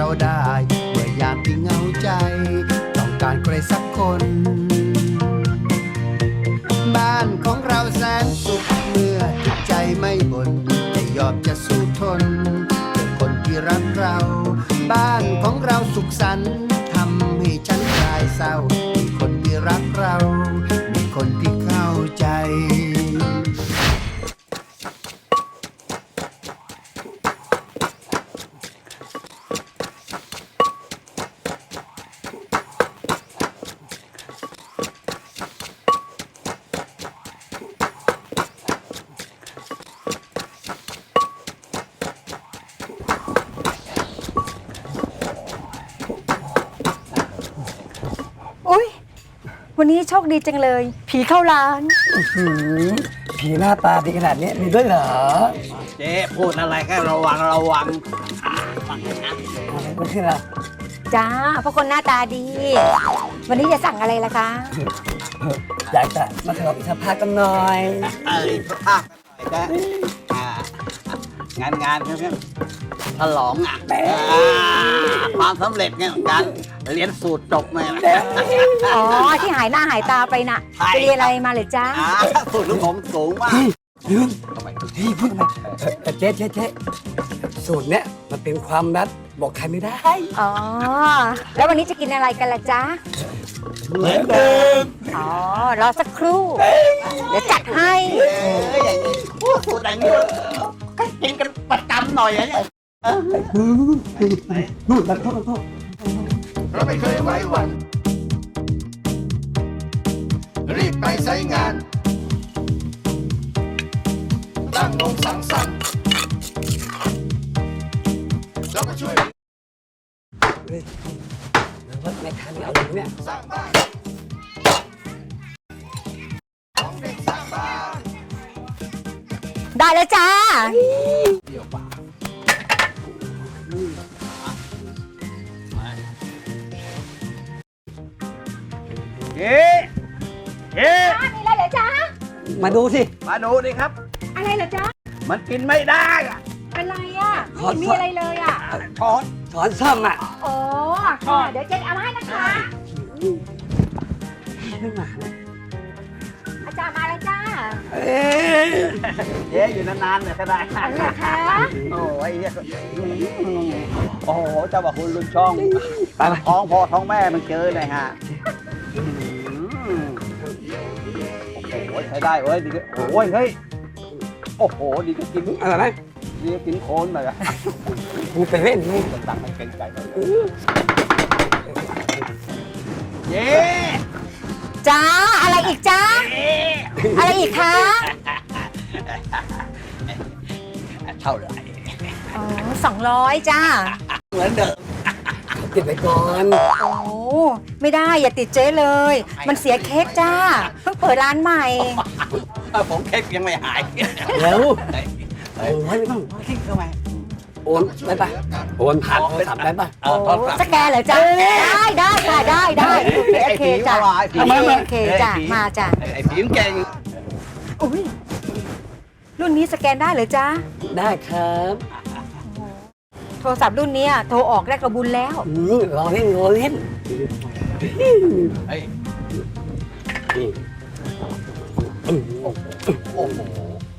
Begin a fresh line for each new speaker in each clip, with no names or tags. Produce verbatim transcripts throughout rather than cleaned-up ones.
ได้เมื่อยามที่เหงาใจต้องการใครสักคนบ้านของเราแสนสุขเมื่อจิตใจไม่บ่นจะยอมจะสู้ทนเพื่อคนที่รักเราบ้านของเราสุขสันต์ทำให้ฉันคลายเศร้ามีคนที่รักเรามีคนที่เข้าใจ
วันนี้โชคดีจังเลยผีเข้าร้าน
ผีหน้าตาดีขนาดนี้มีด้วยเหรอ
เจ๊พูดอะไรก็ระวังระวังฟังนะ
อะไรก็คืออะไร
จ้าเพราะคนหน้าตาดีวันนี้จะสั่งอะไรล่ะคะ
อยากจะมาขออีกสักพักกันหน่อย
เออสักพักกันหน่อยนะงานงานครับฉลองอ่ะความสำเร็จไงการเรียนสูตรจบมา
อ๋อที่หายหน้าหายตาไปน่ะไปเรียนอะไรมาเลยจ้า
สูตรของผมสูงมาก
ลืมเฮ้ยพูดมาแต่เจ๊เจ๊เจ๊สูตรเนี้ยมันเป็นความลับบอกใครไม่ได้
อ๋อแล้ววันนี้จะกินอะไรกันล่ะจ๊ะ
เหมือนเดิม
อ๋อรอสักครู่เดี๋ยวจัดให้
อย่างนี้สูตรอย่างนี้ก็กินกันประจำหน่อยเนี่ย
นู่นมาโทษมาโทษ
เราไม่เคยไว้วันรีบไปใช้งานตั้งวงสังสรรค์แล้วก็ช่วย
เฮ้ยว่าในทางนี้เอาอย่างเนี้ย
สร้างบ้านของเด็กสร้างบ้าน
ได้แล้วจ้า
เดี๋ยวป่าเอ๊ะเอ๊ะ
มีอะไรเหรอจ๊ะ
มาดูสิ
มาดูดิครับ
อะไรเหรอจ๊ะ
มันกินไม่ได้อะ
เป็นไรอ่ะไม่มีอะไรเลยอ่ะ
ช้อน
ช้อนซ่อมอ่ะ
อ๋อเดี๋ยวเจ๊เอามาให้นะคะ
ไม่มา
อาจารย์มาแล้วจ้า
เอ๊ะ
เอ๊ะอยู่นานๆเนี่ยก็ได้
อะไรคะ
โอ้ยโอ้โหเจ้าบอกคุณลุงช่องท้องพ่อท้องแม่มันเจอเลยฮะโอ้ยใช้ได้เว้ยดีโอ้ยเฮ้ยโอ้โหดีก็กิน
อะไรนะ
ดีก็กินโคนเลยอะ
มึงไปเล่นมึง
ต่างไม่เกรงใจเลยเย้
จ้าอะไรอีกจ้าอะไรอีกคะ
เท่าไหร่
อ๋อสองร้อยจ้า
เหมือนเดิม
ติดไปก่อน
โอ้ไม่ได้อย่าติดเจ๊เลยมันเสียเค้กจ้าเพิ่งเปิดร้านใหม่
ผมเค้กยังไม่หาย
แล้วโอ้ยไม่ต้อง
เค้กทำไม
โอนได้ปะโอนผ่านโทรศัพท์ได้ปะ
สแกนเหรอจ้าได้ได้ค่ะได้ได้โอเคจ้าโอเคจ้ามาจ้า
ไอ้ผีมเก่ง
อุ้ยรุ่นนี้สแกนได้เหรอจ้า
ได้ครับ
โทรศัพท์รุ่นนี้โทรออกได้กระบุญแล้ว
รอเล่นรอเล่น
เฮ้ยโอ้โห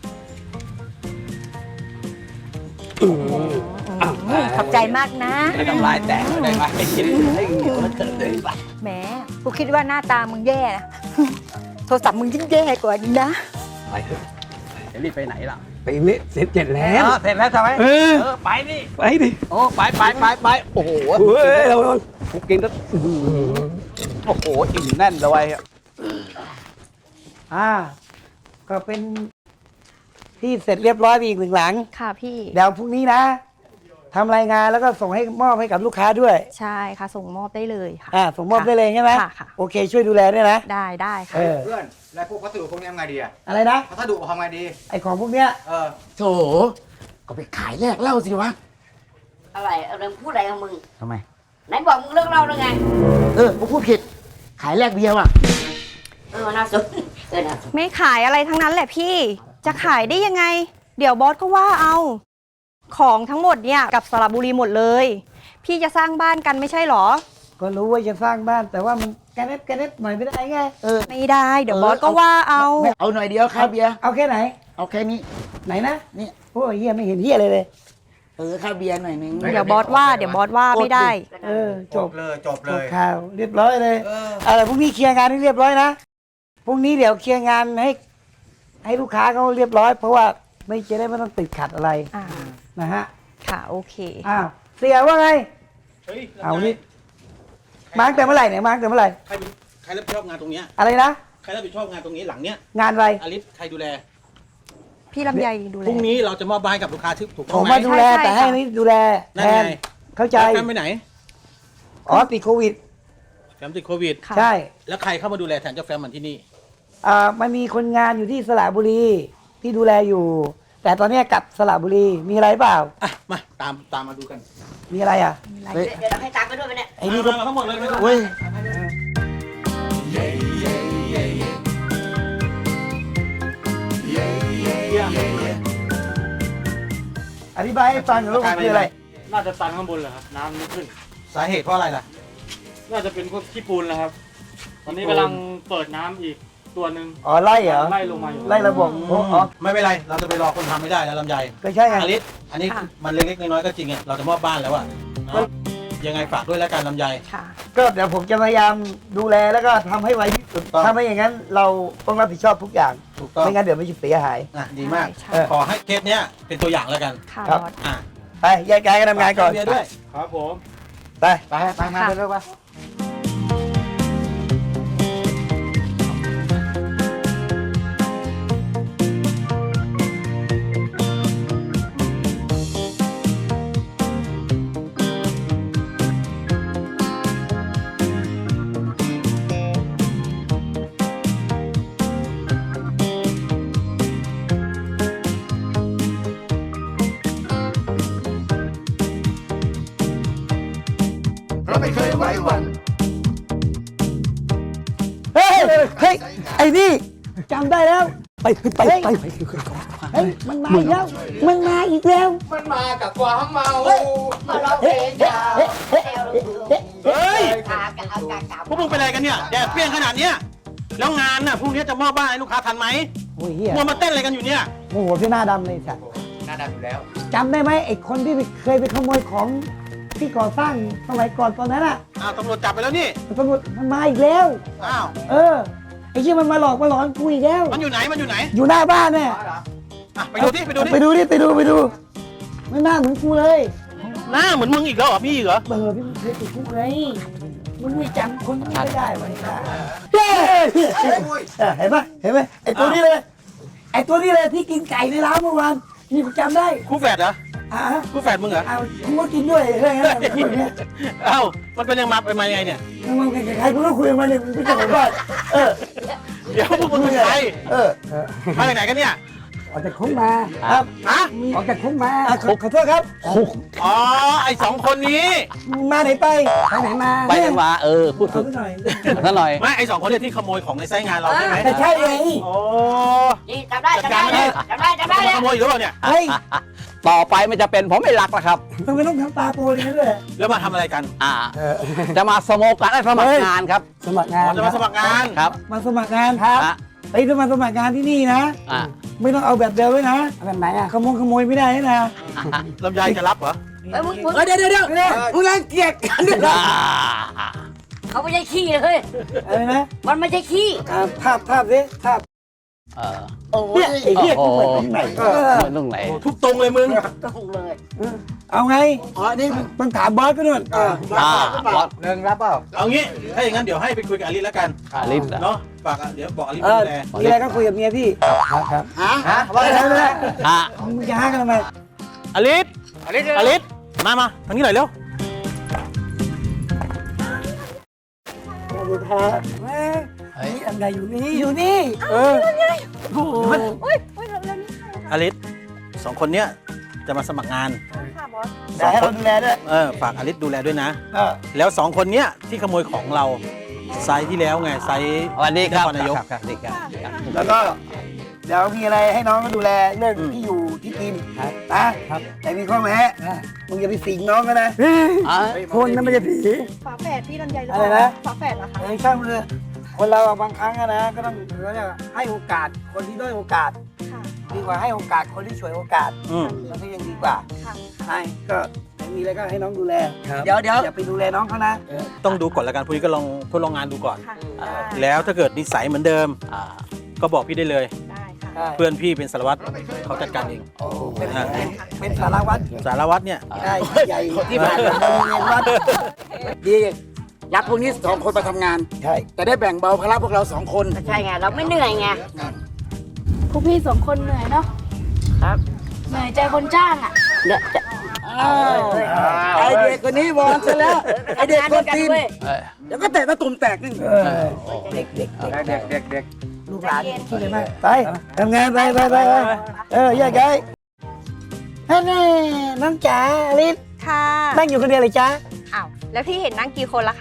ขอบใจมากนะ
ไม่ต้องลายแตกได้ไหมให้กินให้เหนียวแล้วเกิดเลยป่ะ
แหมกูคิดว่าหน้าตามึงแย่นะโทรศัพท์มึงยิ่งแย่กว่านี้นะ
ไปเถอะจะรีบไปไหนล่ะ
ไปเละเสร็จเสร็จแล้ว
เสร็จแล้วใช่ไหม
เออ
ไปดิ
ไปดิ
โอ้ไปไปไปไปโอ้โห
เฮ้ยเรา
กูกินก็โอ้โหอิ่มแน่นเลยอ่าก็เป็นที่เสร็จเรียบร้อยไปอีกหนึ่งหลัง
ค่ะพี่
เดี๋ยวพรุ่งนี้นะทำรายงานแล้วก็ส่งให้มอบให้กับลูกค้าด้วย
ใช่ค่ะส่งมอบได้เลยค่ะ
อ่าส่งมอบได้เลยใช่ไหม
ค่ะ
โอเคช่วยดูแลด้วยนะ
ได้ได้ค่ะ
เ
พื่อนแล้วพวกพัสดุพวกนี้ทำไงดีอะ
อะไรนะ
พัสดุทำไงดี
ไอของพวกเนี้ย
เออ
โถก็ไปขายแลกเหล้าสิวะ
อะไรอะไรพูดอะไรของมึง
ทำไม
ไหนบอกมึงเลิกเล่าแล้วไง
เออกูพูดผิดขายแลกเบียร์ว่ะ
เออน่าสนเออน่าสน
ไม่ขายอะไรทั้งนั้นแหละพี่จะขายได้ยังไงเดี๋ยวบอสก็ว่าเอา
ของทั้งหมดเนี่ยกับสระบุรีหมดเลย พี่จะสร้างบ้านกันไม่ใช่หรอ
ก็รู้ว่าจะสร้างบ้านแต่ว่ามันแกเน็ตแกเน็ตหน่อยไม่ได้ไงเออ
ไม่ได้เดี๋ยวบอสก็ว่าเอา
เอาหน่อยเดียวค่าเบียร์
เอาแค่ไหน
เอาแค่นี้
ไหนนะ
นี่
โอ้ยเฮียไม่เห็นเฮียเลยเลย
เออค่าเบียร์หน่อยหนึง
เดี๋ยวบอสว่าเดี๋ยวบอสว่าไม่ได้
เออจ
จ
บบ
เลยจบเล
จบ
ย
ข่าวเรียบร้อยเลย
เออ
อะไรพรุ่งนี้เคลียร์งานให้เรียบร้อยนะพรุ่งนี้เดี๋ยวเคลียร์งานให้ ให้ลูกค้าเขาเรียบร้อย เพราะว่าไม่จะได้ไม่ต้องติดขัดอะไร
อ่า
นะฮะ
ค่ะโอเค
อ้าวเสียว่าไง
เฮ้ย
เอานี่มาตั้งแต่เมื่อไหร่เนี่ยมาตั้งแต่เมื่อไหร่
ใครใครรับผิดชอบงานตรงเนี้ย
อะไรนะ
ใครรับผิดชอบงานตรงนี้หลังเนี้ย
งานอะไร
อลิสใครดูแล
พี่ลำไยดูแล
พรุ่งนี้เราจะมอบบ้านให้กับลูกค้าที่ถูก
ผ
ต้อง
ม
ไหม
มาดูแล
ใช่ใช่
แต่ให้
ค่ะ
นี่ดูแล
นั่
แท
น
น
ไง
เข้าใจ
แฟมไปไหน
อ๋อติดโควิด
แฟมติดโควิด
ค่ะ
ใช่
แล้วใครเข้ามาดูแลแทนเจ้าแฟมมันที่นี่
อ่ามันมีคนงานอยู่ที่สระบุรีที่ดูแลอยู่ แต่ตอนเนี้ยกลับสระบุรีมีอะไรเปล่า
อ่ะ มาตามตามมาดูกัน
มีอะไรอ่ะ
เดี๋ยวเดี๋ยวเราให้ตามไปด้วยไหมเนี่ย
ไอ้นี่ก็
มามาทั้งหมดเลยไม่ต้อง
เว้ย
อธิบายให้ฟังหน่อยว่ามันคืออะไร
น่าจะตันข้างบนเหรอครับ น้ำไม่ขึ้น
สาเหตุเพราะอะไรล่ะ
น่าจะเป็นพวกขี้ปูนแหละครับ ตอนนี้กำลังเปิดน้ำอีกตัวหนึ่ง
อ๋อไล่เหรอ
ไล่ลงมาอยู่
ไล่ระบบอ๋ออ๋อ
ไม่เป็นไร เราจะไปรอคนทำไม่ได้แล้วลำไย
ก็ใช่ไง
อลิสอันนี้มันเล็กๆน้อยๆก็จริงไงเราจะมอบบ้านแล้วอะเนาะยังไงฝากด้วยแล้วกันลำไย
ค่ะ
ก็เดี๋ยวผมจะพยายามดูแลแล้วก็ทำให้ไวที่สุด
ถูกต้อง
ถ้าไม่อย่างนั้นเราต้องรับผิดชอบทุกอย่าง
ถูกต้อง
ไม่งั้นเดี๋ยวมันจะเสียหาย
อ่ะดีมาก
ใช่
เออ
ขอให้เคสเนี้ยเป็นตัวอย่างแล้วกัน
ค่ะ
ครับ
บอส
อ่ะ
ไปแยกย้ายกันทำงานก่อน
ฝเบียร์ด้วย
ครับผม
ไป
ไปไปมาเร็วๆไป
เราไม่เคยไว้วัน
เฮ้ยเฮ้ยไอ้นี่จำได้แล้ว ไปไปไปไปเฮ้ยมันมาอีกแล้วมันมาอีกแล้ว
มันมากับความเมา
มาร้องเพลงยาวแซวลูก
เฮ้ย
ขากะเอากะกะ
พวกมึงเป็นอะไรกันเนี่ยแดดเปรี้ยงขนาดเนี้ยแล้วงานน่ะพรุ่งนี้จะมอบบ้านให้ลูกค้าทันไหม
โอ้ยเฮีย
มัวมาเต้นอะไรกันอยู่เนี่ย
โอ้โหพี่หน้าดำเลยสัตว์
หน้าดำอยู่แล้ว
จำได้ไหมไอ้คนที่เคยไปขโมยของที่ก่อสร้างสมัยก่อนตอนนั้นอ่ะ
อ้าวตำรวจจับไปแล้วนี่
ตำรวจมันมาอีกแล้ว
อ้าว
เออไอ้ที่มันมาหลอกมาหลอนกูอีกแล้ว
มันอยู่ไหนมันอยู่ไหน
อยู่หน้าบ้านเนี่ย
อ่ะไปดูดิไปดูดิ
ไปดูดิไปดูไปดูไม่น่าเหมือนกูเลย
หน้าเหมือนมึงอีกแล้วเหรอพี่อีกเหรอ
เบอร์พี่เคยติดคุกไงมึงไม่จำคนนี้ไม่ได้วะนี่นะเย้เห็นปะเห็นไหมไอ้ตัวนี้เลย ไอ้ตัวนี้เลยที่กินไก่ในร้านเมื่อวานนี่กูจำได้
คู่แฝดเหรอ
อ่ะ
คู่แฝดมึงเหรอ
เอากูก็กินด้วยเรื่องนั้นคนเนี้ย
เอ้ามันเป็นยังมาเป็นมายังไงเนี่ย
มึงมึงใครกูต้องคุยกับมันเนี่ยมึงไม่ใช่ผมก่อนเออ
เดี๋ยวพวกมึงเป็นใคร
เออ
มาจากไหนกันเนี่ย
ออกจากคุกมาครับ
ฮะ
ออกจากคุกมาขอขอโทษครับ
อ๋อไอสองคนนี้
มึงมาไหนไปไปไหนมา
ไปจังหวะเออ พูด
เอา
ถูก
ไปหน่อย
ซะหน่อย
ไม่ไอสองคนเนี่ยที่ขโมยของในไซต์งานเราใช่ไหม
แต่ใช่ไง
โอ้
นี่จำได้จำได้เลยจำได้จำได้
มา
เลย
ขโมยอีกหรือเปล่าเนี่ย
เฮ้ย
ต่อไปมันจะเป็นผมไม่รักแล้วครับ
ทำไมต้องทำตาโปรอย่างนั้นด้วย
แล้วมาทำอะไรกัน
อ่า จะมาสโมกกันและสมัครงานครับ
สมัครงา
อ๋
น
อจะมาสมัครงาน
ครับ
มาสมัครงานครับ
อ่ะ
ไอ้ยถ้ามาสมัครงานที่นี่นะ
อ่า
ไม่ต้องเอาแบบเดิมไว้นะแบบไหนอะขโมยขโมยไม่ได้นะ
ลำไยจะรับเหรอ
เฮ้ยมึงมึง
เดี๋ยวเดี๋ยวเดี๋ยวมึงรังเกียจกันด้วยนะ
เขาไม่ใช่ขี้เลย
อะไรนะ
มันไม่ใช่ขี้
อ่าภาพภาพสิภาพ
เออ
โอ้
เนี่ยไอ้เหี้ย
โอ้
กู
โห
เปิดตรงไหน
เออมันตรงไหน
ทุบตรงเลยมึง
ก็คงเลย
เอาไงอ๋อนี่ต้องถามบอสก็นู่น
อ่าบอส
หนึ่งรับเปล่า
เอางี้ถ้าอย่างนั้นเดี๋ยวให้ไปคุยกับอลิสแล้วกัน
อลิสอะ
เนาะฝากอ่ะเดี๋ยวบอกอลิส
เออ
ดูแล
มีอะไรก็คุยกับเมียพี่ครับครับ
ฮะฮะ
ว่าอะไรนะ
อ่ะ
มึงจะหากันทำไม
อลิส
อลิส
อลิสมามาทางนี้หน่อยเร็ว
ดูแท้แม่นี่อันใดอยู่นี่อยู่นี่เออโอ้โห
อลิสสองคนเนี้ยจะมาสมัครงาน
แต่ให้เราดูแลด้วย
เออฝากอลิสดูแลด้วยนะ
เออ
แล้วสองคนเนี้ยที่ขโมยของเราไซส์ที่แล้วไงไซส์
สวัสดีครับ
นครนายก
ครับครับสวัสดีครับครับ
แล้วก็เดี๋ยวมีอะไรให้น้องก็ดูแลเรื่องที่อยู่ที่กินนะครับแต่มีข้อแม้มึงอย่าไปสิงน้องก็นะคนนั้นไม่ใช่ผี
ฝาแฝดพี่ลำไยหรือ
อะไร
เปล่า
นะ
ฝาแฝดเหรอคะ
ไอ้ข้างมือคนเราบางครั้งอะนะก็ต้องเขาเรียกว่าให้โอกาสคนที่ด้อยโอกาส
ค่ะ
ดีกว่าให้โอกาสคนที่ฉวยโอกาส
อืม
มันก็ยังดีกว่า
ค่ะ
ใช่ก็มีอะไรก็ให้น้องดูแล
เดี๋ยวเดี๋ยว
อย่าไปดูแลน้องเขานะ
ต้องดูก่อนละกันพรุ่งนี้ก็ลองทดลองงานดูก่อน
ค่ะ
แล้วถ้าเกิดนิสัยเหมือนเดิม
อ่า
ก็บอกพี่ได้เลย
ได้ค่ะ
ใช่
เพื่อนพี่เป็นสารวัตรเขาจัดการเอง
เป็น
อ่า
เป็นเป็นสารวัตร
สารวัตรเนี่ย
ใช่ใหญ่
ที่ผ่านมาเราเรียนวัดดีรับพวกนี้สองคนมาทำงาน
ใช่
แต่ได้แบ่งเบาภาระพวกเราสองคน
ใช่ไง เราไม่เหนื่อยไง
พวกพี่สองคนเหนื่อยเนาะ
ครับ
เหนื่อยใจคนจ้างอ่ะ
เดี๋ยวจะ
อ้าวไอเด็กคนนี้วอนซะแล้ว ไอเด็กคนตีน
เว้ย
เดี๋ยวก็เตะตะตุ่มแตกนี่
เออเด็กเด็กเด็ก
เด็กเด็กเด็ก
ลูกหลานคิดเลยไหมไปทำงานไปไปไปไปเออแยกย้ายนั่นแน่น้องจ๋าลิศ
ค่ะ
นั่งอยู่คนเดียวเลยจ้า
อ้าว แล้วพี่เห็นนั่งกี่คนล่ะคะ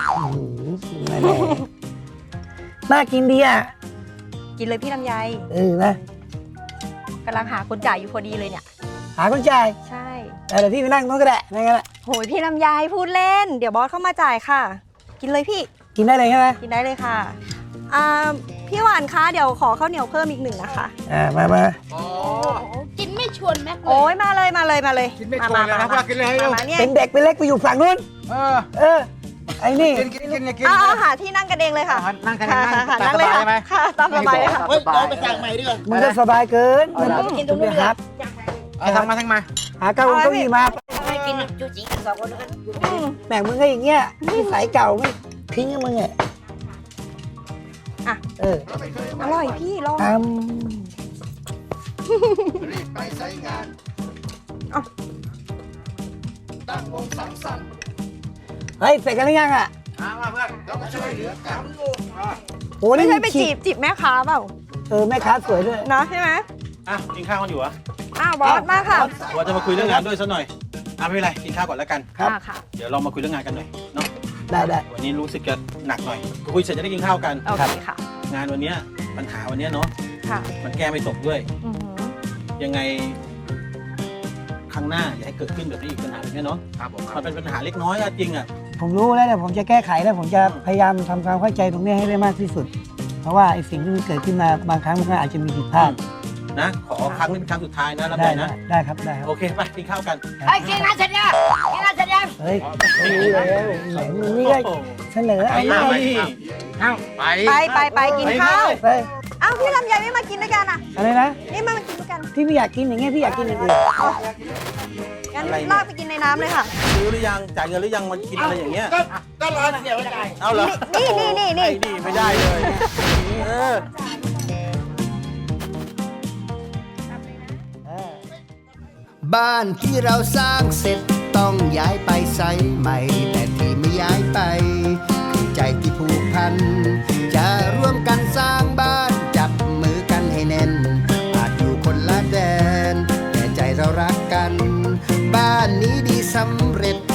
น่ากินดีอ่ะ
กินเลยพี่ลำไย
เออนะ
กำลังหาคนจ่ายอยู่พอดีเลยเนี่ย
หาคนจ่าย
ใช่
เดี๋ยวพี่ไปนั่งโน้นก็ได้นั่งกันละ
โหยพี่ลำไยพูดเล่น เดี๋ยวบอสเข้ามาจ่ายค่ะ กินเลยพี่
กินได้เลยใช่ไหม
กินได้เลยค่ะ อ่า พี่หวานคะ เดี๋ยวขอข้าวเหนียวเพิ่มอีกหนึ่งนะคะ
อ่ามามา
กินไม่ชวนแม็กเล
โอ้
ย
ยมาเลยมาเลยมาเลย
กินไม่ชวนเลยนะพวกเรากินเลยให้
มา
ดู
มาเนี่ย
เป็นเด็กเป็นเล็กไปอยู่ฝั่งนู้น
เออ
เออไอ้นี่
กินกินกินกิน
เอาเอาหาที่นั่งกันเองเลยค่ะ
นั่งกัน
ค่ะ
นั่ง
ค่ะ
ตาม
นั่ง
ส
เลย
บาย
ค่ะ
ไหม
ค่ะตามสบายเลยค่ะ
เฮ้ยเราไปสั่งใหม่ดีกว่า
มึงก็สบายเกิน
เอาละ
กินตรงนู้นครับ
เอาทั้งมาทั้งมา
หาเก้าอี้เก้าอี้มา
ให้กินจูจีกันสองคนแล้วกัน
อืม
แหม่งมึงก็อย่างเงี้ยนิสัยเก่าไม่ทิ้งให้มึงอ่ะ
อ่ะ
เออ
อร่อยพี่ลอง
ท
ไปใช้งาน
เอา
ตั้งวงสังสรรค์
ำเฮ้ยเสร็จกันหรือยังอ่ะ
มาเพื่อน
เราก็ช่วยเหลือกัน
โอ้
ไม่
นี่
ใช่
มึง
ไป
ฉี
จี
ก
บจีบแม่ค้าเปล่า
เออแม่ค้าสวยด้วย
เนาะใช่ไหม
อ่ะกินข้าวกันอยู่เหรอ
อ้าวบอสมาค่ะ
ว่าจะมาคุยเรื่องงานด้วยซะหน่อยอ่ะไม่เป็นไรกินข้าวก่อนแล้วกัน
ครับ
อ่าค่ะ
เดี๋ยวเรามาคุยเรื่องงานกันหน่อยเนาะ
ได้ได้
วันนี้รู้สึกจะหนักหน่อยคุยเสร็จจะได้กินข้าวกัน
โอเคค่ะ
งานวันเนี้ยปัญหาวันเนี้ยเนาะ
ค่ะ
มันแก้ไม่ตกด้วย
อือหือ
ยังไงครั้งหน้าอย่าให้เกิดขึ้นแบบนี้อีกปัญหาแบบนี้เนาะ
ครับผม
มันเป็นปัญหาเล็กน้อยอะจริงอะ
ผมรู้แล้วเนี่ยผมจะแก้ไขแล้วผมจะพยายามทำความเข้าใจตรงนี้ให้ได้มากที่สุด เพราะว่าไอ้สิ่งที่มันเกิดขึ้นมาบางครั้งมันก็อาจจะมีผิดพลาด
นะขอครั้งนี้เป็นครั้งสุดท้ายนะรับ
ได้
ได้
ได้
นะ
ได้ครับได้ครับ
โอเคไปกินข้าวกัน
ไอ้ยกินงานเสร็จยังกินงานเสร็จยัง
เฮ้ยรู้แล้วแหมมึงนี่ก็เสนอ
ไอ้
อะไร
นี่
ไป
ไปไปไปกินข้าว
ไป
อ้าวพี่ลำไยไม่มากินด้วยกันอ่ะ
อะไรนะ
นี่มากินด้วยกัน
พี่ไม่อยากกินอย่างเงี้ยพี่อยากกินอย่างอื่น
งั้นลากไปกินในน้ำเลยค่ะ
ซื้อหรือยังจ่ายเงินหรือยังมันกินอะไรอย่างเงี้ย
ก็ก็รอเสียวใจ
เอาเหรอ
นี่นี่นี่นี่
ไอ้นี่ไม่ได้เลยเออ
บ้านที่เราสร้างเสร็จต้องย้ายไปไซต์ใหม่ แต่ที่ไม่ย้ายไปคือใจที่ผูกพัน จะร่วมกันสร้างบ้านจับมือกันให้แน่น อาจอยู่คนละแดน แต่ใจเรารักกัน บ้านนี้ดีสำเร็จ